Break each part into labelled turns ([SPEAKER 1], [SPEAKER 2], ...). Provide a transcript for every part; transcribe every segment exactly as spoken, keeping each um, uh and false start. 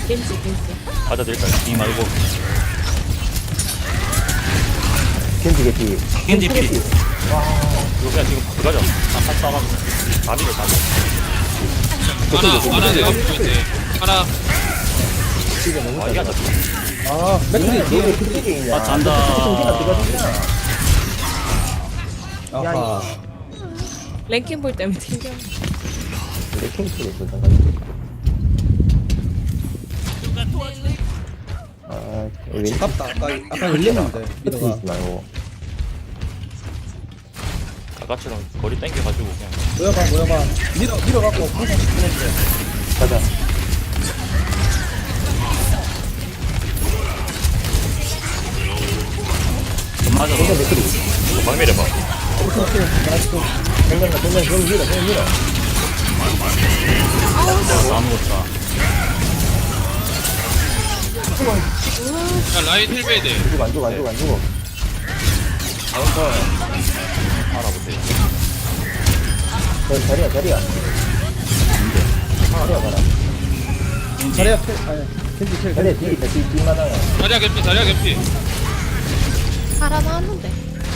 [SPEAKER 1] 겐지 겐지.
[SPEAKER 2] 가자 드릴까요?
[SPEAKER 3] 이 말고
[SPEAKER 4] 겐지 개피.
[SPEAKER 3] 겐지 피.
[SPEAKER 2] 이거 그냥 지금 들어가죠. 아까 싸가지고 다리를 다리.
[SPEAKER 5] 하나 하나 내가 보고 있네. 하나
[SPEAKER 4] 지금 너무
[SPEAKER 2] 아 이게 안
[SPEAKER 4] 잘.
[SPEAKER 2] 잡혀.
[SPEAKER 4] 아, 맥클이 너왜 그쪽에 있냐?
[SPEAKER 3] 아, 잔다.
[SPEAKER 4] 정신아 들어가잖아. 야,
[SPEAKER 6] 아하.
[SPEAKER 1] 랭킹볼 때문에 튕겨.
[SPEAKER 4] 내 킹스를 또 잠깐. 아, 왜
[SPEAKER 6] 아깝다. 아까 아까 열렸는데
[SPEAKER 4] 끝에
[SPEAKER 6] 미더가.
[SPEAKER 4] 있지 말고.
[SPEAKER 2] 아까처럼 거리 땡겨가지고 그냥
[SPEAKER 6] 모여봐 모여봐. 밀어 밀어갖고 항상 시키는데.
[SPEAKER 4] 가자.
[SPEAKER 3] 맞아.
[SPEAKER 4] 정면 맥클이.
[SPEAKER 2] 이거 막 밀어봐.
[SPEAKER 4] 정면 가, 정면 정면 밀어, 정면 밀어.
[SPEAKER 3] 아무것도.
[SPEAKER 5] 야 라인 힐베이드.
[SPEAKER 4] 죽어, 안 죽어, 안 죽어, 안 죽어.
[SPEAKER 2] 알아보세요.
[SPEAKER 4] 저 자리야, 자리야. 자리야 가라.
[SPEAKER 6] 자리야 필 아니 캔디 필.
[SPEAKER 4] 자리야 뒤 있다, 뒤 뒤마당에.
[SPEAKER 5] 자리야 개피 자리야 개피.
[SPEAKER 1] 하라나 하는데.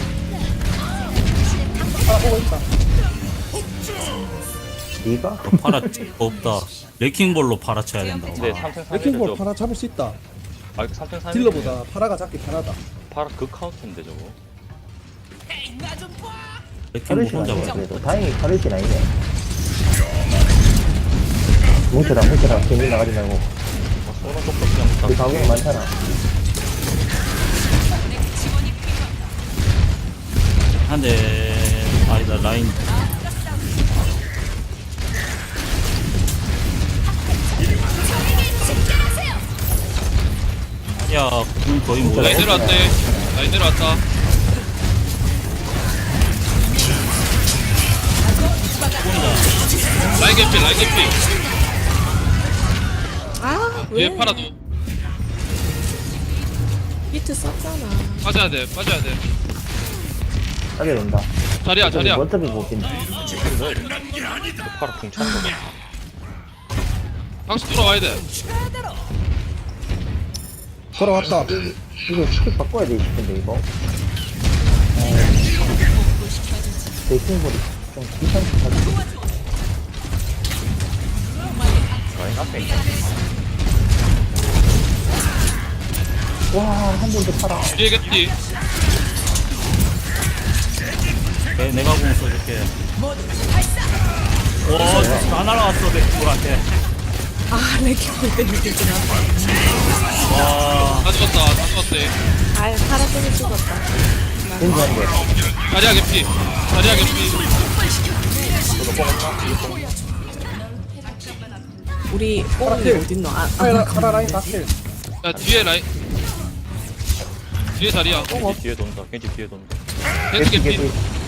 [SPEAKER 6] 아 보고 있다.
[SPEAKER 4] 네가?
[SPEAKER 3] 팔아 없다. 레킹볼로 팔아쳐야 된다고.
[SPEAKER 2] 근데 삼 탱
[SPEAKER 6] 레킹볼
[SPEAKER 2] 삼
[SPEAKER 6] 파라 잡을 수 있다.
[SPEAKER 2] 아 삼 탱 삼
[SPEAKER 6] 딜러보다 파라가 잡기 편하다.
[SPEAKER 2] 파라 그 카운트인데 저거.
[SPEAKER 3] 레킹볼
[SPEAKER 4] 카르신
[SPEAKER 3] 혼자
[SPEAKER 4] 아니네,
[SPEAKER 3] 봐.
[SPEAKER 4] 그래도. 다행히 카르신 아니네. 뭉쳐라, 뭉쳐라. 괜히 나가지 말고.
[SPEAKER 2] 아, 쏘는 쪽도 그냥 다
[SPEAKER 4] 우리 가구가 많잖아.
[SPEAKER 3] 한대 아니다 라인. 야, 그럼 거의 뭐
[SPEAKER 5] 라인 내려왔대. 라인 내려왔다. 라인 개피 라인 개피.
[SPEAKER 1] 아
[SPEAKER 5] 뒤에
[SPEAKER 1] 왜?
[SPEAKER 5] 팔아도
[SPEAKER 1] 비트 썼잖아.
[SPEAKER 5] 빠져야 돼 빠져야 돼.
[SPEAKER 4] 하게 된다.
[SPEAKER 5] 자리야 자리야.
[SPEAKER 4] 어차피 못 낀다.
[SPEAKER 2] 파라 궁찬 거.
[SPEAKER 5] 방수 돌아와야 돼.
[SPEAKER 6] 돌아왔다.
[SPEAKER 4] 이거 스킬 바꿔야 돼 싶은데 이거. 대킹볼이 좀 귀찮게 하지.
[SPEAKER 2] 라인 앞에 있다.
[SPEAKER 4] 와한 번 더 팔아.
[SPEAKER 5] 뒤에 개피.
[SPEAKER 3] 내, 내가 공 써줄게. 오, 다 날아왔어 레킹볼한테.
[SPEAKER 1] 아 랭킹볼 때문에 튕기나.
[SPEAKER 3] 와,
[SPEAKER 5] 다 죽었다 다 죽었대.
[SPEAKER 1] 아 파라 때문에 죽었다.
[SPEAKER 4] 괜찮은 게.
[SPEAKER 5] 자리야 개피. 자리야 개피.
[SPEAKER 1] 우리 뽕이
[SPEAKER 6] 필.
[SPEAKER 1] 어딨노? 아,
[SPEAKER 6] 파라
[SPEAKER 1] 아
[SPEAKER 6] 파라 라인 다 필.
[SPEAKER 5] 야 뒤에 라인. 뒤에 자리야.
[SPEAKER 2] 겐지 뒤에 돈다. 겐지 뒤에 돈다.
[SPEAKER 5] 겐지
[SPEAKER 4] 개피
[SPEAKER 5] 개피.
[SPEAKER 4] 개피.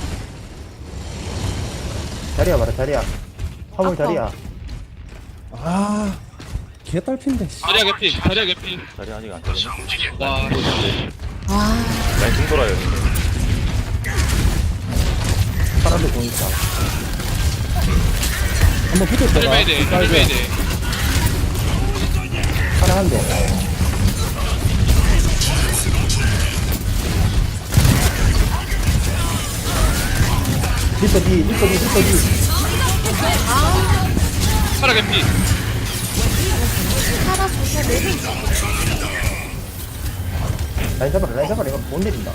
[SPEAKER 4] 자리야 봐라 자리야. 화물
[SPEAKER 1] 아파.
[SPEAKER 4] 자리야.
[SPEAKER 6] 아 개딸핀데. 씨.
[SPEAKER 5] 자리야 개피. 자리야 개피.
[SPEAKER 2] 자리 아직 안 되네.
[SPEAKER 5] 와.
[SPEAKER 1] 아
[SPEAKER 2] 라인 궁 돌아요.
[SPEAKER 4] 사람들 공 있다.
[SPEAKER 6] 한번 붙었다가.
[SPEAKER 5] 힐베이드 힐베이드.
[SPEAKER 4] 하나 한 대. 리퍼 뒤 리퍼 뒤 리퍼 뒤.
[SPEAKER 5] 파라 개피.
[SPEAKER 1] 파라 조사 내려.
[SPEAKER 4] 라인 잡아라 라인 잡아라 이거 못 내린다.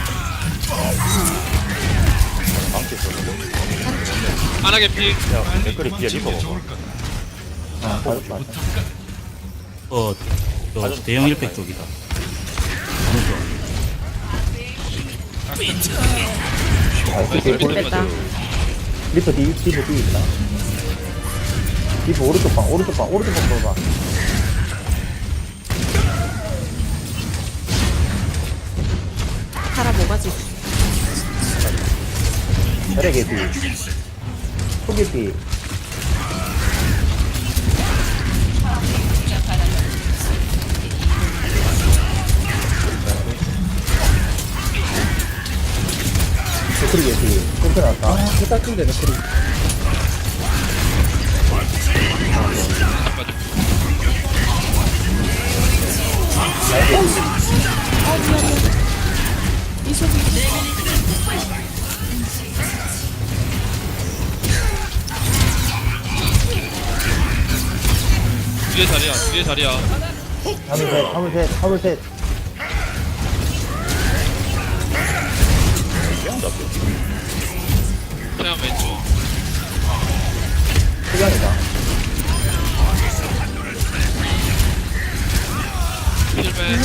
[SPEAKER 2] 망치 있어.
[SPEAKER 5] 하나 개피.
[SPEAKER 2] 야 댓글이 뒤에 리퍼 먹어.
[SPEAKER 4] 아 맞았다 맞았다.
[SPEAKER 3] 어, 저 대형 일팩 쪽이다.
[SPEAKER 4] 아 이렇게 볼-
[SPEAKER 1] 됐다.
[SPEAKER 4] 리퍼 뒤 리퍼 뒤 있다. 리퍼 오른쪽 방 오른쪽 방 오른쪽 방 봐봐.
[SPEAKER 1] 파라 뭐가지?
[SPEAKER 4] 자리야 개피. 소개피. 댓글이 개피. 꼼짝 나왔다.
[SPEAKER 6] 아 개딸핀데 맥크리.
[SPEAKER 1] 이속이
[SPEAKER 5] 뒤에 자리야 뒤에 자리야.
[SPEAKER 4] 화물 셋, 화물 셋, 화물 셋.
[SPEAKER 2] 왜안 잡혀?
[SPEAKER 5] 태양 왼쪽.
[SPEAKER 4] 시간이다.
[SPEAKER 5] 힐맨.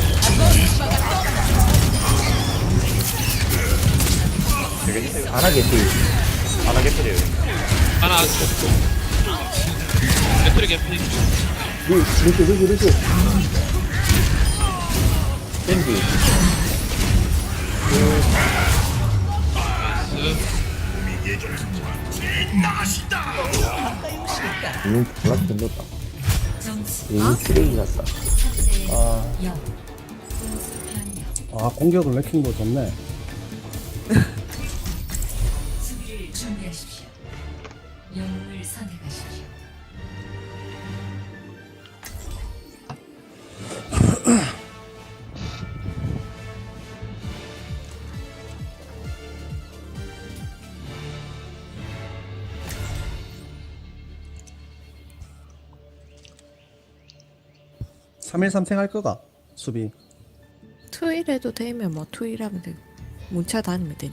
[SPEAKER 2] 되게 힘들어.
[SPEAKER 4] 안 하겠지.
[SPEAKER 2] 안 하겠어요.
[SPEAKER 5] 하나. 배터리 개피.
[SPEAKER 4] 루, 루시, 루시, 루시. 땡기. 이 졸라 힘들다. 이 쓰레기 같다. 아,
[SPEAKER 6] 아 공격을 레킹도 좋네.
[SPEAKER 7] 수비를 준비하십시오. 영웅을 선택하십시오.
[SPEAKER 6] 삼일삼 생할 거가 수비.
[SPEAKER 1] 투일 해도 되면 뭐 투일 하면 되고 문차 다니면 되니.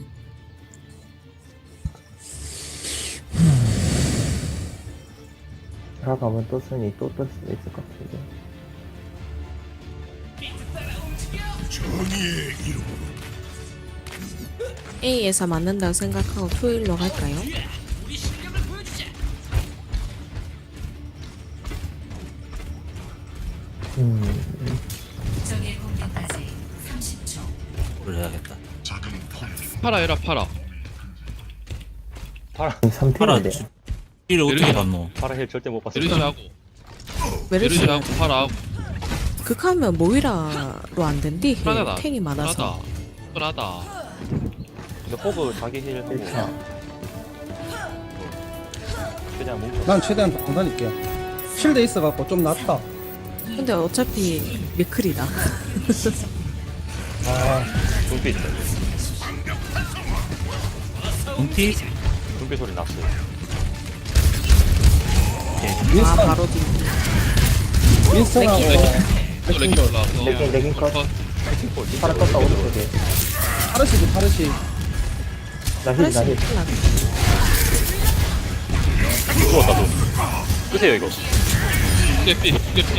[SPEAKER 4] 들어가면 또 쓰니 또 뜰 수도 있을 것 같은데.
[SPEAKER 1] A에서 맞는다고 생각하고 투일로 갈까요?
[SPEAKER 4] 음,
[SPEAKER 7] 적의 공격까지 삼십 초.
[SPEAKER 3] 를 해야겠다.
[SPEAKER 5] 팔아 해라 팔아.
[SPEAKER 2] 파라,
[SPEAKER 4] 삼
[SPEAKER 3] 파라
[SPEAKER 4] 팀인데.
[SPEAKER 3] 주- 딜을 어떻게
[SPEAKER 5] 내리자.
[SPEAKER 3] 봤노?
[SPEAKER 2] 파라 힐 절대 못 봤어.
[SPEAKER 5] 메르시하고
[SPEAKER 1] 메르시
[SPEAKER 5] 메르시하고 팔아하고.
[SPEAKER 1] 극하면 모이라로 안 된디.
[SPEAKER 5] 편하다.
[SPEAKER 1] 탱이 많아서.
[SPEAKER 5] 편하다.
[SPEAKER 2] 근데 호그 자기 힐 보고
[SPEAKER 4] 일 차.
[SPEAKER 2] 그냥 뭉쳐.
[SPEAKER 6] 난 최대한 안 다닐게. 실드 있어갖고 좀 낫다.
[SPEAKER 1] 근데 어차피 미클이다.
[SPEAKER 4] 아,
[SPEAKER 2] 눈빛 있다.
[SPEAKER 3] 눈티?
[SPEAKER 2] 눈빛 소리 났어요.
[SPEAKER 1] 아
[SPEAKER 6] 윈스턴,
[SPEAKER 1] 바로 뒤.
[SPEAKER 6] 윈스턴하고
[SPEAKER 5] 또 레킹
[SPEAKER 6] 레킹도.
[SPEAKER 5] 올라와서.
[SPEAKER 4] 레킹, 레킹 컷.
[SPEAKER 5] 컷.
[SPEAKER 4] 파라 떴다, 오른쪽에.
[SPEAKER 6] 파르시지 파르시.
[SPEAKER 4] 나 힐, 나 힐.
[SPEAKER 2] 죽었다 또. 끄세요 이거.
[SPEAKER 5] 개피 개피.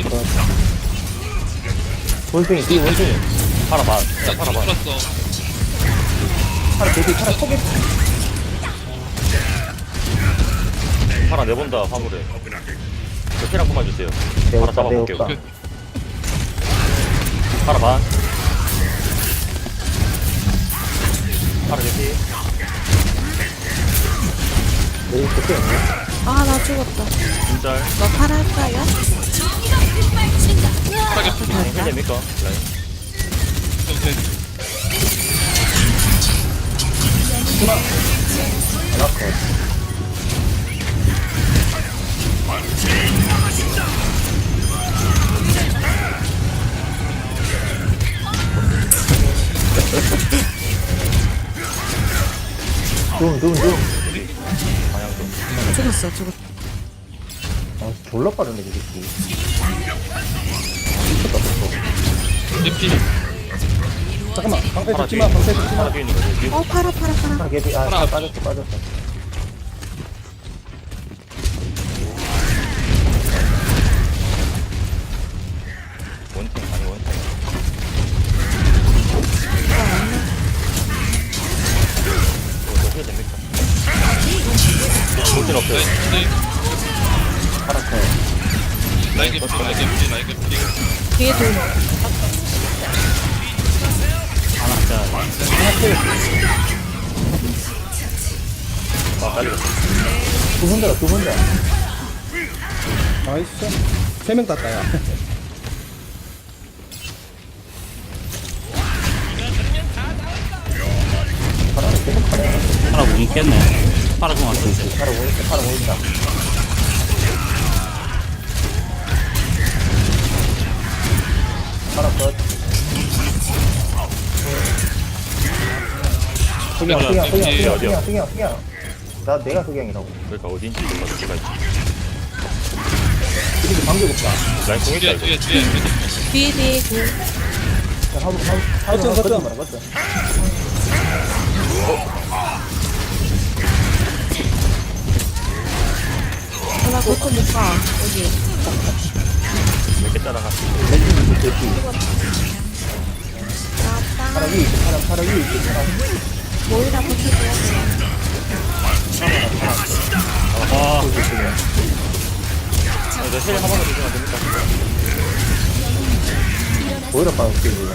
[SPEAKER 4] 원숭이, 뒤 원숭이.
[SPEAKER 2] 파라 반.
[SPEAKER 5] 나
[SPEAKER 2] 파라 반.
[SPEAKER 5] 죽었어.
[SPEAKER 4] 파라 대비, 파라 속에.
[SPEAKER 2] 파라 내본다 화물에. 저 힐 한 번만 주세요.
[SPEAKER 4] 내었다,
[SPEAKER 2] 파라 잡아볼게요.
[SPEAKER 4] 내었다.
[SPEAKER 2] 파라 반. 파라 개피.
[SPEAKER 4] 내일 그때 없네.
[SPEAKER 1] 아 나 죽었다.
[SPEAKER 2] 진짤.
[SPEAKER 1] 너 팔할까요?
[SPEAKER 5] 팔아 개피.
[SPEAKER 2] 힐 됩니까? 라인.
[SPEAKER 5] 오케이.
[SPEAKER 4] 하나 컷. 둠, 둠, 둠.
[SPEAKER 1] 죽었어 죽었어.
[SPEAKER 4] 아, 졸라 빠르네, 이 새끼.
[SPEAKER 5] 개피.
[SPEAKER 6] 잠깐만 방패
[SPEAKER 2] 파라
[SPEAKER 6] 죽지
[SPEAKER 2] 뒤에
[SPEAKER 6] 마. 방패
[SPEAKER 2] 있는
[SPEAKER 6] 죽지
[SPEAKER 2] 거. 파라
[SPEAKER 6] 마.
[SPEAKER 2] 뒤에 있는 거. 뒤에
[SPEAKER 1] 어 팔아 팔아 팔아.
[SPEAKER 4] 아, 개비, 아,
[SPEAKER 5] 파라
[SPEAKER 4] 아,
[SPEAKER 5] 앞쪽.
[SPEAKER 4] 빠졌어, 빠졌어.
[SPEAKER 2] 원탱 아니 원탱. 이거 힐 됩니까? 볼일 없어요.
[SPEAKER 5] 라인
[SPEAKER 4] 파라 컷.
[SPEAKER 5] 라인 개피 라인 개피 라인 개피.
[SPEAKER 1] 뒤에 둘.
[SPEAKER 3] 하나 짜.
[SPEAKER 2] 아 빨리.
[SPEAKER 4] 두 번째다, 두 번째.
[SPEAKER 6] 나이스. 세 명 땄다 야.
[SPEAKER 4] 파라는 계속 하네.
[SPEAKER 3] 파라 못 있겠네. 파라 공 왔었지.
[SPEAKER 4] 파라 보인다, 파라 보인다. 하나 컷. 석양, 석양, 석양,
[SPEAKER 5] 어디야,
[SPEAKER 4] 석양,
[SPEAKER 2] 어디야?
[SPEAKER 4] 석양, 석양, 석양. 나 내가 석양이라고.
[SPEAKER 2] 그러니까 어딘지 몰라 누가 있지.
[SPEAKER 6] 그리고 방금 없다.
[SPEAKER 2] 라인 공있다
[SPEAKER 5] 뒤에
[SPEAKER 2] 이거.
[SPEAKER 5] 뒤에 뒤에
[SPEAKER 1] 뒤에 뒤에 그
[SPEAKER 4] 자, 하부, 하부, 하부,
[SPEAKER 6] 거점,
[SPEAKER 4] 하부,
[SPEAKER 6] 거점.
[SPEAKER 4] 거점, 거점.
[SPEAKER 1] 하나 그거 못가 여기
[SPEAKER 2] 몇개 따라갔어.
[SPEAKER 4] 멜빈, 대피. 파라 위, 있어, 파라, 파라 위, 있어, 파라.
[SPEAKER 1] 모이라 버텨줘야 돼.
[SPEAKER 3] 아,
[SPEAKER 2] 이제 힐 한번더 주시면 됩니까?
[SPEAKER 4] 보이라 빠졌지, 이거.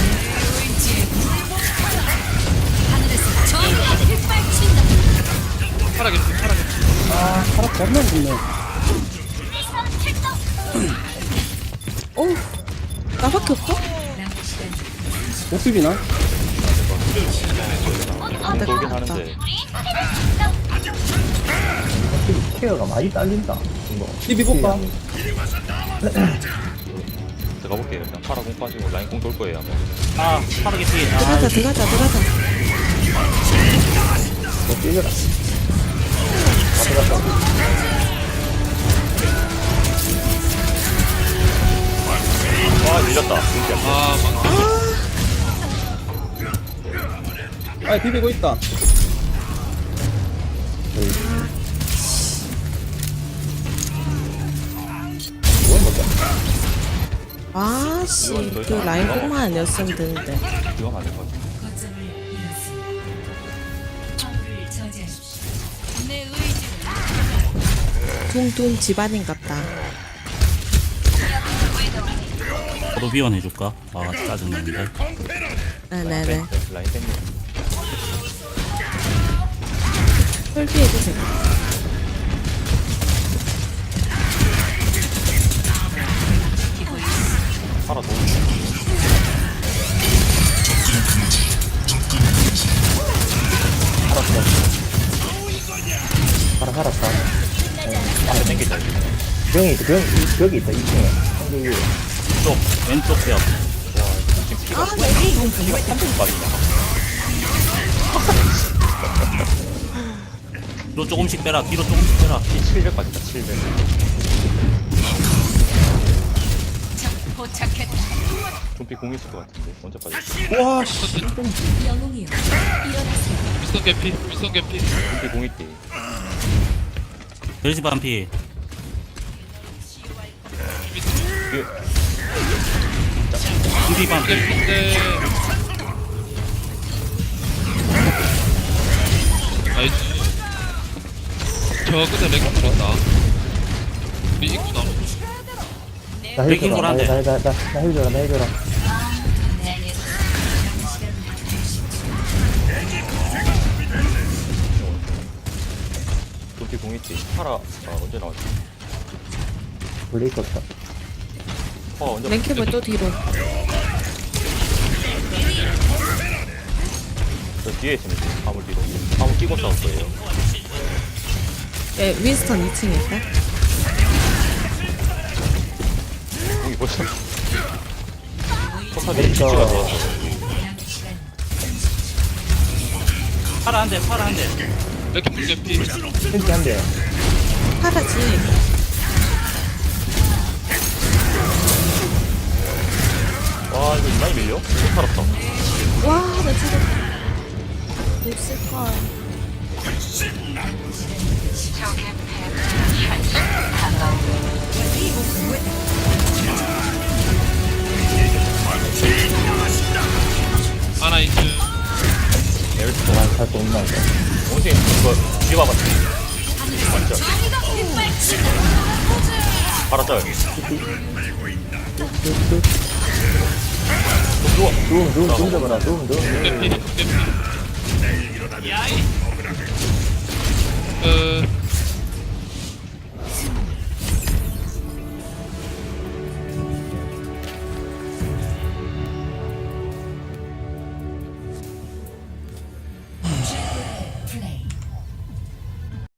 [SPEAKER 5] 파라게 파라게
[SPEAKER 6] 아, 파라 겁나 좋네.
[SPEAKER 1] 오 나밖에 없어?
[SPEAKER 6] 못 비비나?
[SPEAKER 1] 안 될 것
[SPEAKER 2] 돌긴
[SPEAKER 1] 같다.
[SPEAKER 2] 하는데.
[SPEAKER 4] 확실히 케어가 많이 딸린다, 이거.
[SPEAKER 6] 비비볼까?
[SPEAKER 2] 들어가 볼게요. 그냥 파라 공 빠지고 라인 공 돌 거예요. 아마.
[SPEAKER 3] 아, 빠르게 피해. 아,
[SPEAKER 1] 들어가자 들어가자 들어가자.
[SPEAKER 4] 너 뛰어라. 다 들어갔다.
[SPEAKER 2] 와 밀렸다. 진짜.
[SPEAKER 5] 아 망.
[SPEAKER 6] 아, 비비고 있다.
[SPEAKER 1] 아씨 그 라인 뽕만 아니었으면 되는데.
[SPEAKER 2] 이거 맞을 것 같아.
[SPEAKER 7] 거점을 잃었습니다. 화물을 저지하십시오. 내 의지를
[SPEAKER 1] 둥둥 집안인 같다.
[SPEAKER 3] 저도 비원해줄까? 아, 짜증나는데.
[SPEAKER 1] 네네네.
[SPEAKER 2] 라인 땡겨.
[SPEAKER 1] 설비해주세요.
[SPEAKER 2] 파라 도.
[SPEAKER 4] 살았어. 파라 살았다.
[SPEAKER 2] 앞에 땡기자. 이거.
[SPEAKER 4] 병이 있어, 병, 이- 벽이 있다, 이 층에. 상대 위에.
[SPEAKER 3] 쪽, 왼쪽 벽.
[SPEAKER 2] 지금 피가 피가 삼 분 빠지냐.
[SPEAKER 3] 뒤로 조금씩 빼라, 뒤로 조금씩 빼라.
[SPEAKER 2] 피 칠백 빠진다. 칠백.
[SPEAKER 7] 포착했다.
[SPEAKER 2] 좀비 공 있을 것 같은데. 먼저 빠졌어.
[SPEAKER 6] 와, 씨.
[SPEAKER 7] 영웅이여 일어나세요.
[SPEAKER 5] 미스터 개피 미스터 개피.
[SPEAKER 2] 좀비 공 있대.
[SPEAKER 3] 벨시 반피.
[SPEAKER 2] 그
[SPEAKER 3] 두비 반피.
[SPEAKER 5] 개피인데. 나이스. 저 끝에 렉 들었다. 우리 입구 나무.
[SPEAKER 4] 나 힐
[SPEAKER 3] 백인
[SPEAKER 4] 줘라, 나,
[SPEAKER 3] 거란데.
[SPEAKER 4] 나, 나, 나, 나 힐 줘라, 나 힐 줘라.
[SPEAKER 2] 좀비 공 있지. 파라 아, 언제 나왔지?
[SPEAKER 4] 원래 있었다.
[SPEAKER 2] 어 언제?
[SPEAKER 1] 랭캡을 또 뒤로.
[SPEAKER 2] 저 뒤에 있으면 돼. 화물 뒤로. 화물 끼고 싸울 거예요.
[SPEAKER 1] 예 윈스턴 이 층에 있다.
[SPEAKER 2] 여기 벌써. 포탑이
[SPEAKER 4] 그러니까.
[SPEAKER 2] 위치가 좋았어.
[SPEAKER 3] 파라 한 대, 파라 한 대.
[SPEAKER 5] 렉 개피.
[SPEAKER 4] 힐지 한 대.
[SPEAKER 1] 파라지.
[SPEAKER 2] 와 이거 많이 밀려? 못 살았다.
[SPEAKER 1] 와나 지금 못쓸걸.
[SPEAKER 5] 하나 있음.
[SPEAKER 2] 에어스
[SPEAKER 4] 그만 살수 없나, 이거.
[SPEAKER 2] 원숭이 이거 뒤에 봐봐. 완전. 파라 짤. 누워.
[SPEAKER 4] 누움, 누움, 누움 잡아라, 누움, 누움, 누움.
[SPEAKER 5] 개피 개피. 그